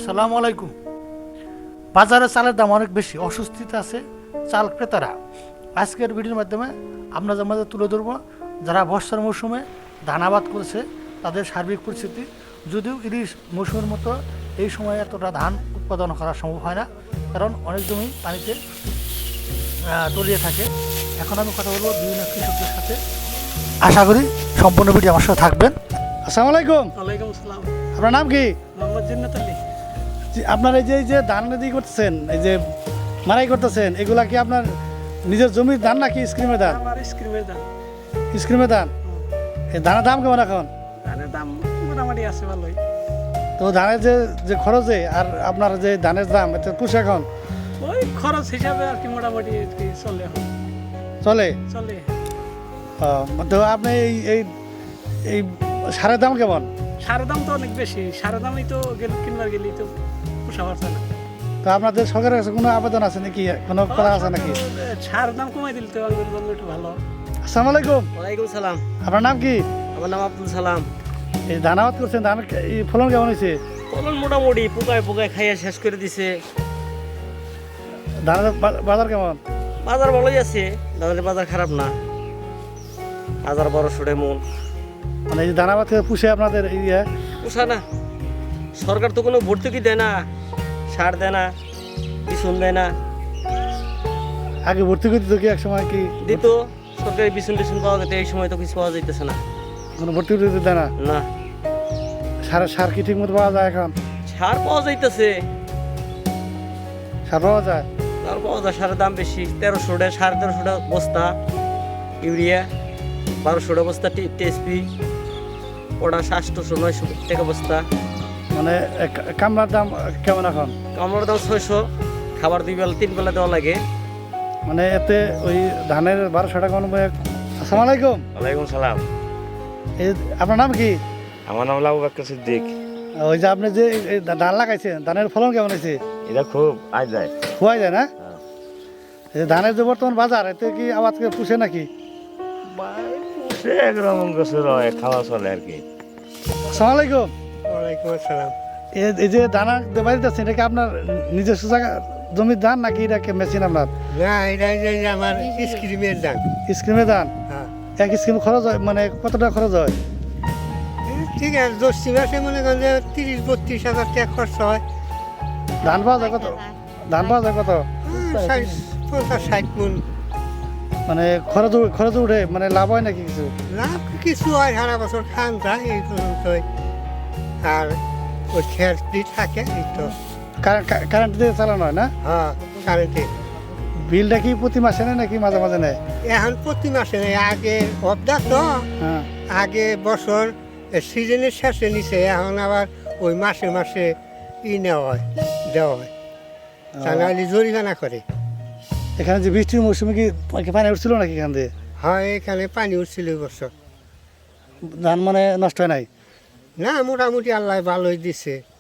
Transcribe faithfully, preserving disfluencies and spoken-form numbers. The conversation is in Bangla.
আসসালামু আলাইকুম। বাজারে চালের দাম অনেক বেশি, অস্বস্তিতে আছে চাল ক্রেতারা। আজকের ভিডিওর মাধ্যমে আপনাদের মাঝে তুলে ধরবো যারা বর্ষার মৌসুমে ধান আবাদ করেছে তাদের সার্বিক পরিস্থিতি। যদিও ইলিশ মৌসুমের মতো এই সময় এতটা ধান উৎপাদন করা সম্ভব হয় না, কারণ অনেক জমি পানিতে আহ, তলিয়ে থাকে। এখন আমি কথা বলবো বিভিন্ন কৃষকদের সাথে। আশা করি সম্পূর্ণ ভিডিও আমার সাথে থাকবেন। আসসালামু আলাইকুম। ওয়ালাইকুম আসসালাম। আপনার নাম কি? মোহাম্মদ জিন্নাত আলী। জি, আপনার এই যে এই যে ধান রেডি করতেছেন, এই যে মারাই করতেছেন, এগুলা কি আপনার নিজের জমির ধান নাকি স্ক্রিমের ধান? আমার স্ক্রিমের দাম। স্ক্রিমের ধান। এই ধানের দাম কেমন এখন? ধানের দাম মোটামুটি আছে ভালোই। তো ধানের যে যে খরচে আর আপনার যে ধানের দাম এতে পুষে এখন ওই খরচ হিসাবে আর কি মোটামুটি আর কি চলে এখন। চলে? চলে। ও, তো আপনি এই এই এই সারের দাম কেমন? সারের দাম তো অনেক বেশি। সারের দামই তো গেল কিনবার গেলেই তো পোষা পারছে না। তো আপনাদের সরকারের কাছে কোনো আবেদন আছে নাকি, কোনো করা আছে নাকি? সারের দাম কমাই দিলে তো আমাদের জন্য একটু ভালো। আসসালামু আলাইকুম। ওয়ালাইকুম সালাম। আপনার নাম কি? আমার নাম আব্দুল সালাম। এই ধান আবাদ করছেন, ধান এই ফলন কেমন হয়েছে? ফলন মোটামুটি পোকায় পোকায় খাইয়া শেষ করে দিছে। ধানের বা- বাজার কেমন? বাজার ভালোই আছে, ধানের বাজার খারাপ না। হাজার বারোশো মন মানে এই যে ধান আবাদ করে পুষে আপনাদের এই ইয়ে পোষা না। সরকার তো কোনো ভর্তুকি দেয় না, সার দেয় না, বিছুন দেয় না। আগে ভর্তি করে দিত কি এক সময় কি? দিত সরকারি বিছুন টিছুন পাওয়া যেত, এই সময় তো কিছু পাওয়া যাইতেছে না। কোনো ভর্তি করে দিতে দেয় না? না, সার সার কি ঠিক মতো পাওয়া যায় এখন? সার পাওয়া যাইতেছে, সার পাওয়া যায়? সার পাওয়া যায়, সারের দাম বেশি। তেরোশো টাকা, সাড়ে তেরোশো টাকা বস্তা ইউরিয়া, বারোশো টাকা বস্তা টিএসপি, ওটা আটশোশো নয়শো টাকা বস্তা। মানে এক- কামলার দাম কেমন এখন? কামড়ার দাম ছয়শো, খাবার দুই বেলা তিন বেলা দেওয়া লাগে। মানে এতে ওই ধানের বারোশো টাকা অনুযায়ী। আসসালামু আলাইকুম। ওয়ালাইকুম সালাম। এই আপনার নাম কি? আমার নাম আবু বকর সিদ্দিক। ওই যে আপনি যে এই ধান লাগাইছেন, ধানের ফলন কেমন হয়েছে? এটা খুব আয় যায়। খোয়া যায় না? এই যে ধানের যে বর্তমান বাজার, এতে কি আবাদ করে পুষে নাকি? সে একরকম গোসল হয়, খাওয়া চলে আর কি। আসসালামু আলাইকুম। ওয়ালাইকুম আসসালাম। এই- এই যে দানা বাড়িতে আছেন, এটা কি আপনার নিজস্ব জায়গা জমির ধান নাকি এটাকে মেশিন আপনার? না, এটা যে আমার স্ক্রিমের দাম। স্ক্রিমের ধান? হ্যাঁ, এক স্ক্রিম খরচ হয় মানে কত টাকা খরচ হয়? ঠিক আছে। দশটি মাসে মনে করেন যে তিরিশ বত্রিশ হাজার টাকা খরচ হয়। ধান পাওয়া যায় কত? ধান পাওয়া যায় কত? পঞ্চাশ ষাট মন মানে খরচ উ- খরচ উঠে, মানে লাভ হয় নাকি কিছু? লাভ কিছু হয়, সারা বছর খান যায় এই পর্যন্তই। আর ওই খেয়ার থাকে এই তো। কারেন্ট কারেন্ট দিয়ে চালানো হয় না? হ্যাঁ, কারেন্টে। বিলটা কি প্রতি মাসে নেয় নাকি মাঝে মাঝে নেয়? এখন প্রতি মাসে নেই, আগে অবদা তো হ্যাঁ। আগে বছর সিজনের শেষে নিছে, এখন আবার ওই মাসে মাসে ই নেওয়া হয়, দেওয়া হয়। তা নাহলে জরিমানা করে। এখানে যে বৃষ্টির মৌসুমে কি কি পানি উঠছিল নাকি এখান দিয়ে? হয়, এখানে পানি উঠছিল এই বছর। ধান মানে নষ্ট হয় নাই? না, মোটামুটি আল্লাহ ভালোই দিছে।